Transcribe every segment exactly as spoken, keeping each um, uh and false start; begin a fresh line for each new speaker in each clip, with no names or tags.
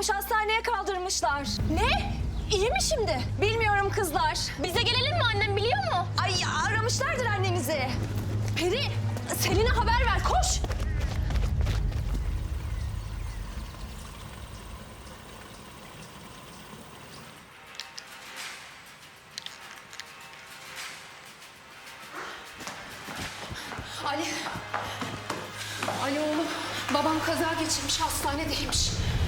yapmış, hastaneye kaldırmışlar. Ne? İyi mi şimdi? Bilmiyorum kızlar. Bize gelelim mi, annem biliyor mu? Ay aramışlardır annenizi. Peri, Selin'e haber ver, koş.
Ali. Ali oğlum. Babam kaza geçirmiş, hastanedeymiş.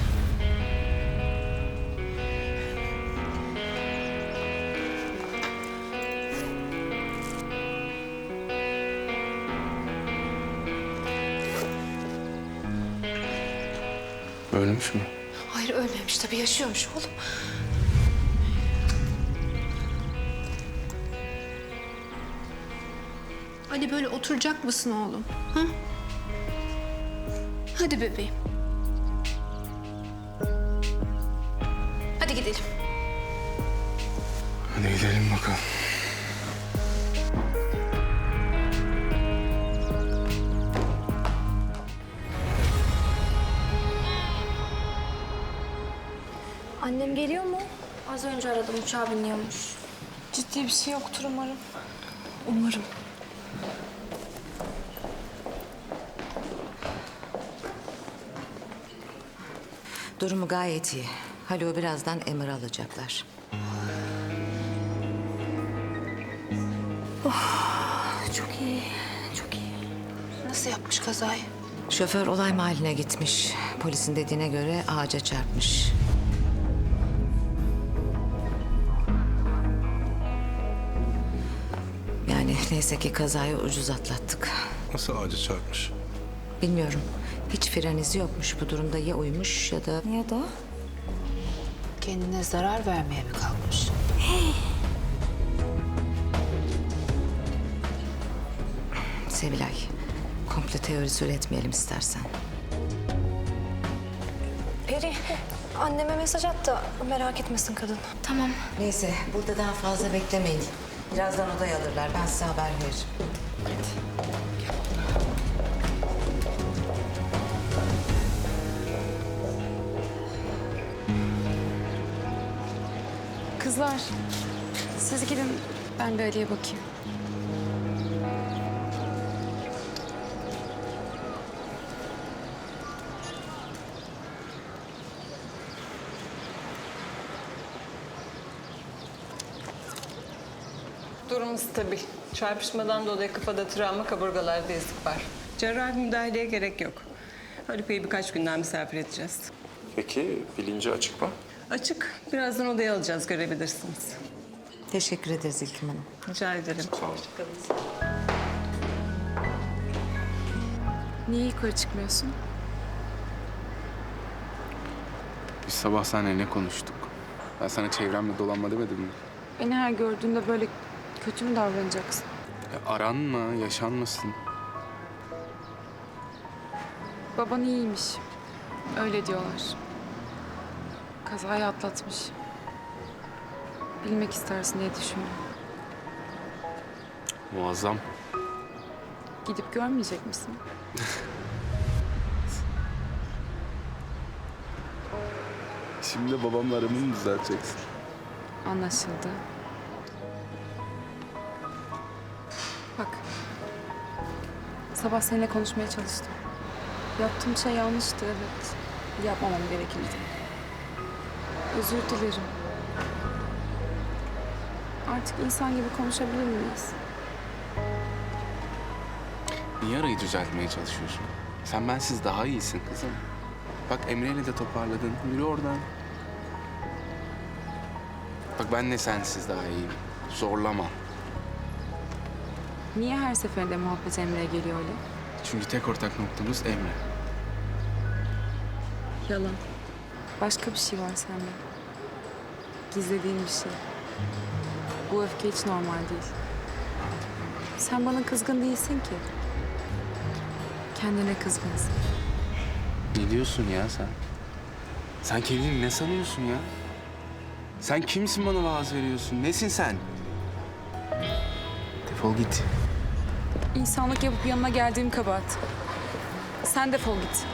Ölmüş mü?
Hayır ölmemiş tabii, yaşıyormuş oğlum. Ali böyle oturacak mısın oğlum? Ha? Hadi bebeğim. Hadi gidelim.
Hadi gidelim bakalım.
Annem geliyor mu? Az önce aradım, uçağa biniyormuş.
Ciddi bir şey yoktur umarım. Umarım.
Durumu gayet iyi. Haluk'u birazdan emir alacaklar.
Çok iyi, çok iyi.
Nasıl yapmış kazayı?
Şoför olay mahalline gitmiş. Polisin dediğine göre ağaca çarpmış. Yani neyse ki kazayı ucuz atlattık.
Nasıl ağaca çarpmış?
Bilmiyorum. Hiç fren izi yokmuş. Bu durumda ya uyumuş ya da...
Ya da?
Kendine zarar vermeye mi kalkmış?
Sevilay, komple teorisi üretmeyelim istersen.
Peri, anneme mesaj at da merak etmesin kadın.
Tamam.
Neyse, burada daha fazla beklemeyin. Birazdan odaya alırlar. Ben size haber veririm.
Kızlar, siz gidin. Ben bir Ali'ye bakayım.
Durumu stabil. Çarpışmadan dolayı kafada travma, kaburgalarda ezik var. Cerrahi müdahaleye gerek yok. Haluk Bey'i birkaç günden misafir edeceğiz.
Peki bilinci açık mı?
Açık. Birazdan odaya alacağız, görebilirsiniz.
Teşekkür ederiz İlkim Hanım.
Rica ederim.
Sağ olun.
Niye yukarı çıkmıyorsun?
Biz sabah seninle ne konuştuk? Ben sana çevremle dolanma demedim mi?
Beni her gördüğünde böyle kötü mü davranacaksın?
Ya aranma, yaşanmasın.
Baban iyiymiş. Öyle diyorlar. Kazayı atlatmış. Bilmek istersin diye düşündüm.
Muazzam.
Gidip görmeyecek misin?
Şimdi babamla aramı mı düzelteceksin?
Anlaşıldı. Bak. Sabah seninle konuşmaya çalıştım. Yaptığım şey yanlıştı, evet. Yapmamam gerekirdi. Özür dilerim. Artık insan gibi konuşabilir miyiz?
Niye arayı düzeltmeye çalışıyorsun? Sen bensiz daha iyisin kızım. Bak Emre'yle de toparladın. Yürü oradan. Bak ben de sensiz daha iyiyim. Zorlama.
Niye her seferinde muhabbet Emre'ye geliyor öyle?
Çünkü tek ortak noktamız Emre.
Yalan. Başka bir şey var sende. Gizlediğin bir şey. Bu öfke hiç normal değil. Sen bana kızgın değilsin ki. Kendine kızgınsın.
Ne diyorsun ya sen? Sen kendini ne sanıyorsun ya? Sen kimsin bana vaaz veriyorsun? Nesin sen? Defol git.
İnsanlık yapıp yanına geldiğim kabahat. Sen defol git.